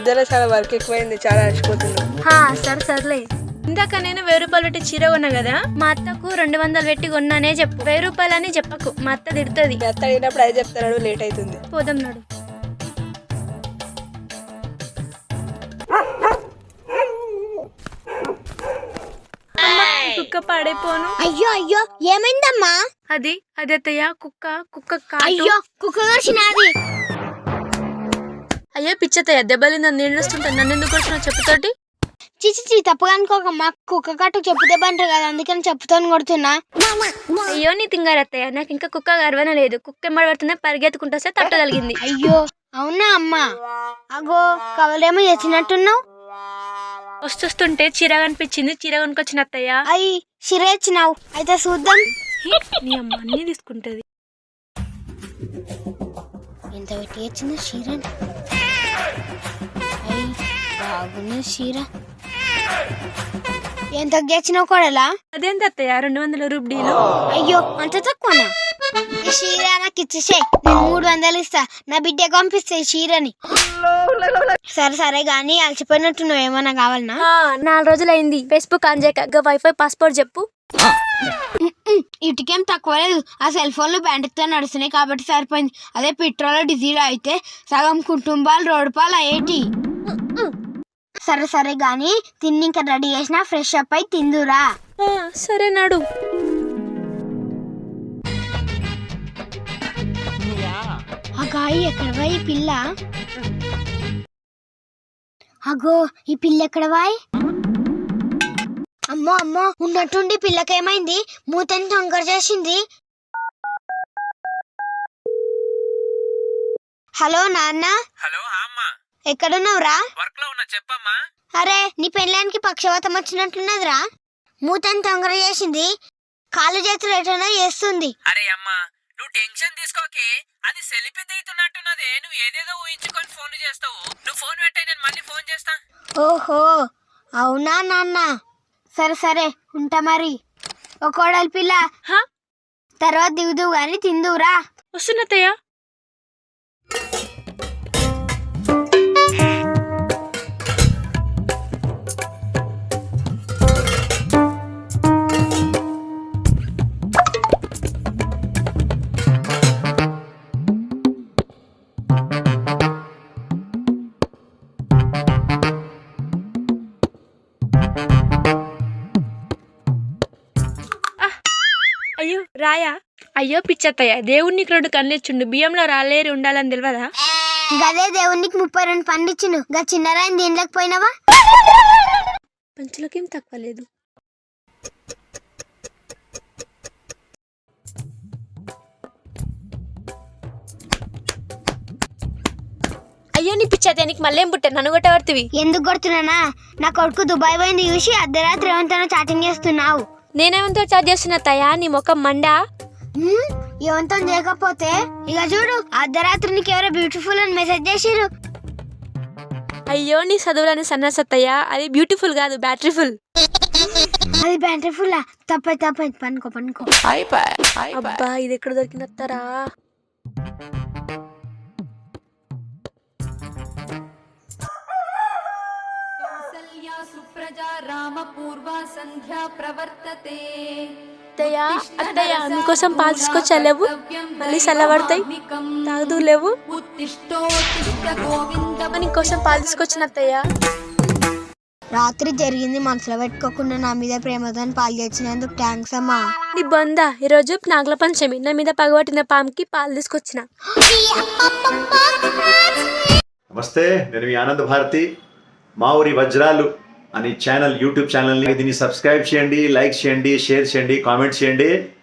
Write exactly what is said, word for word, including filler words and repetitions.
మధ్యలో చాలా వర్క్ ఎక్కువైంది, చాలా అలసిపోతున్నా. సరే సర్లే. ఇందాక నేను వెయ్యి రూపాయలు పెట్టి చీర కొన్నా కదా, మా అత్తకు రెండు వందలు పెట్టి కొన్నానే చెప్పు. వెయ్యి రూపాయలు అని చెప్పకు, మా అత్త తిడుతుంది. అత్త అడిగినప్పుడు అది చెప్తాడు, లేట్ అవుతుంది. పోదాం నాడు. కుక్క పాడైపోను. అయ్యో అయ్యో ఏమైందమ్మా? అది అది అత్తయ్య కుక్క కుక్క అయ్యో కుక్క కరిచినది. అయ్యో పిచ్చతయ్య దెబ్బలిందని నేను ఏడుస్తుంటాను, నన్ను ఎందుకు వచ్చినా చెప్పుతోటి. చిచి చి తప్పుగా అనుకోకమ్మా, కుక్క కట్టు చెప్పు దెబ్బ అంటారు కదా, అందుకని చెప్పుతో కొడుతున్నా. అయ్యో నీ తింగారత్తయ్య, నాకు ఇంకా కుక్క గర్వనే లేదు. కుక్క ఎమ్మడి పడుతున్నా పరిగెత్తుకుంటూ వస్తే తట్టగలిగింది. అయ్యో అవునా అమ్మా? అగో కవలేమో తెచ్చినట్టున్నావు. వస్తుంటే చీర కనిపించింది, చీర కొనుకొచ్చిన అత్తయ్య. అయ్యి చీర ఇచ్చినావు, అయితే చూద్దాం. నీ అమ్మ అన్ని తీసుకుంటది. ఎంత పెట్టి వచ్చింది చీర? అయ్యి బాగున్నది చీర. ఎంత తెచ్చినావు కొడలా? అదేంటి అత్తయ్య రెండు వందల రూపాయలు? అయ్యో అంత తక్కువనా? ఈ చీర నాకు ఇచ్చేసే, నేను మూడు వందలు ఇస్తా, నా బిడ్డ పంపిస్తే చీరని. సరే సరే గానీ అలసిపోయినట్టున్నావు, ఏమన్నా కావాలనా? నాలుగు రోజులు అయింది ఫేస్బుక్ ఆన్ చేయక. వైఫై పాస్పోర్ట్ చెప్పు. ఇటుకేం తక్కువ లేదు, ఆ సెల్ ఫోన్లు బ్యాండ్తో నడుస్తున్నాయి కాబట్టి సరిపోయింది. అదే పెట్రోల్ డీజిల్ అయితే సగం కుటుంబాలు రోడ్డు పాలు అయ్యేటి. సరే సరే గానీ తిని ఇంకా రెడీ చేసిన, ఫ్రెష్ అప్ అయి తిందురా. సరే నాడు. ఆ గాయి ఎక్కడవా ఈ పిల్ల? అగో ఈ పిల్ల ఎక్కడవాయ్? అమ్మో అమ్మో, ఉన్నట్టుండి పిల్లకేమైంది? మూతని తొంగర చేసింది. హలో నాన్న. హలో అమ్మా, ఎక్కడున్నావురా? వర్క్ లో ఉన్నా, చెప్పమ్మా. అరే నీ పెళ్ళానికి పక్షవాతం వచ్చినట్లున్నదిరా, మూతని తొంగర చేసింది, కాలు చేతులు ఎటనో చేస్తుంది. అరే అమ్మా నువ్వు టెన్షన్ తీసుకోకే, అది సెల్ఫీ దిగుతున్నట్టున్నదే. నువ్వు ఏదేదో ఊహించుకొని ఫోన్ చేస్తావు. నువ్వు ఫోన్ పెట్టాయి, నేను మళ్ళీ ఫోన్ చేస్తా. ఓహో అవునా నాన్న, సరే సరే ఉంటా మరి. ఓ కోడలి పిల్ల, తర్వాత దిగుదు గాని తిందువురా. వస్తున్నత్తయ్య. అయ్యో రాయా? అయ్యో పిచ్చత్తయ్య, దేవుడికి రెండు కళ్ళు ఇచ్చిండు, బియ్యంలో రాలేరు ఉండాలని తెలియదా? గదే దేవునికి ముప్పై రెండు పండ్లు ఇచ్చిండు, గా చిన్నరాయిని దీనిలోకి పోయినావా? పంచులకేం తక్కువ లేదు. అయ్యో నీ పిచ్చతే, నీకు మళ్ళీ ఏం పుట్టా? నన్ను కొట్టబడుతుంది. ఎందుకు కొడుతున్నానా? నా కొడుకు దుబాయ్ పోయింది చూసి అర్ధరాత్రి ఏమంతా చాటింగ్ చేస్తున్నావు. నేనేమంతో చాట్ చేస్తున్నా తయా, నీ ముఖం మండా. ఏమంతా చేయకపోతే ఇక చూడు, అర్ధరాత్రి నీకు ఎవరో బ్యూటిఫుల్ అని మెసేజ్ చేసిరు. అయ్యో నీ చదువులని సన్నసత్తయ్యా, అది బ్యూటిఫుల్ కాదు బ్యాటరీఫుల్. అది బ్యాటరీఫుల్ తప్పై తప్పై పనుకో పనుకో. అబ్బా ఇది ఎక్కడ దొరికినత్తారా? అత్తయ్య మీకోసం పాలు తీసుకొచ్చా, లేవు మళ్ళీ చల్లబడతాయి, తాగుదూ లేవు. నీకోసం పాలు తీసుకొచ్చిన అత్తయ్య. రాత్రి జరిగింది మనసులో పెట్టుకోకుండా నా మీద ప్రేమతో పాలు తెచ్చినందుకు థ్యాంక్స్ అమ్మా. నీ బొందా, ఈరోజు నాగల పంచమి, నా మీద పగబట్టిన పాముకి పాలు తీసుకొచ్చిన. నమస్తే, నేను మీ ఆనంద భారతి. మా ఊరి వజ్రాలు అని ఛానల్, యూట్యూబ్ ఛానల్ని దీన్ని సబ్స్క్రైబ్ చేయండి, లైక్ చేయండి, షేర్ చేయండి, కామెంట్ చేయండి.